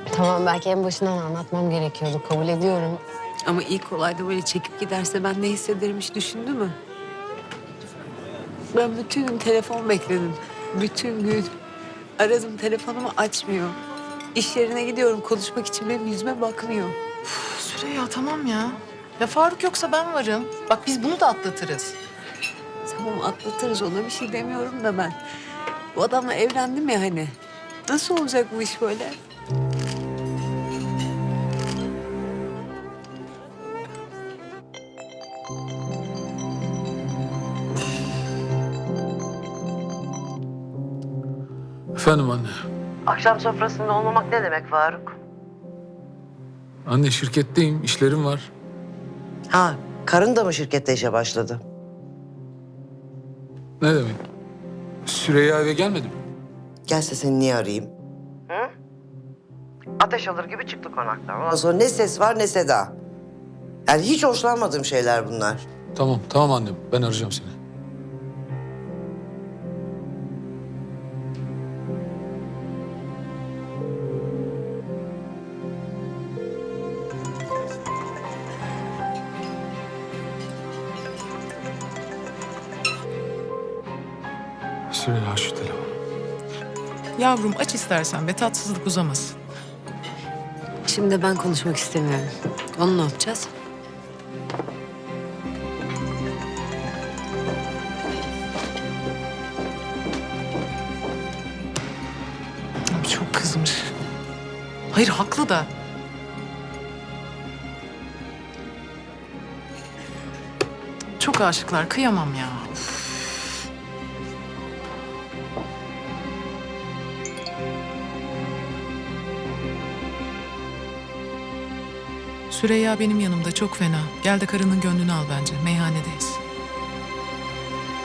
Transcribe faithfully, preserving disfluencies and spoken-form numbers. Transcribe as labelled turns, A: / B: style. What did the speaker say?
A: Tamam, belki en başından anlatmam gerekiyordu. Kabul ediyorum.
B: Ama ilk olayda böyle çekip giderse ben ne hissederim hiç düşündü mü? Ben bütün gün telefon bekledim. Bütün gün. Aradım, telefonumu açmıyor. İş yerine gidiyorum konuşmak için, benim yüzüme bakmıyor.
C: Süreyya tamam ya. Ya Faruk yoksa ben varım. Bak biz bunu da atlatırız.
B: Tamam atlatırız, ona bir şey demiyorum da ben. Bu adamla evlendim ya hani. Nasıl olacak bu iş böyle?
D: Efendim anne.
E: Akşam sofrasında olmamak ne demek Faruk?
D: Anne şirketteyim, işlerim var.
E: Ha, karın da mı şirkette işe başladı?
D: Ne demek? Süreyya eve gelmedi mi?
E: Gelse seni niye arayayım? Hı? Ateş alır gibi çıktı konaktan. Ondan sonra ne ses var ne seda. Yani hiç hoşlanmadığım şeyler bunlar.
D: Tamam, tamam annem. Ben arayacağım seni. Süreyya şu telefonu.
C: Yavrum aç istersen be, tatsızlık uzamasın.
B: Şimdi ben konuşmak istemiyorum. Onu ne yapacağız?
C: Abi çok kızmış. Hayır haklı da. Çok aşıklar, kıyamam ya. Süreyya benim yanımda çok fena. Gel de karının gönlünü al bence. Meyhanedeyiz.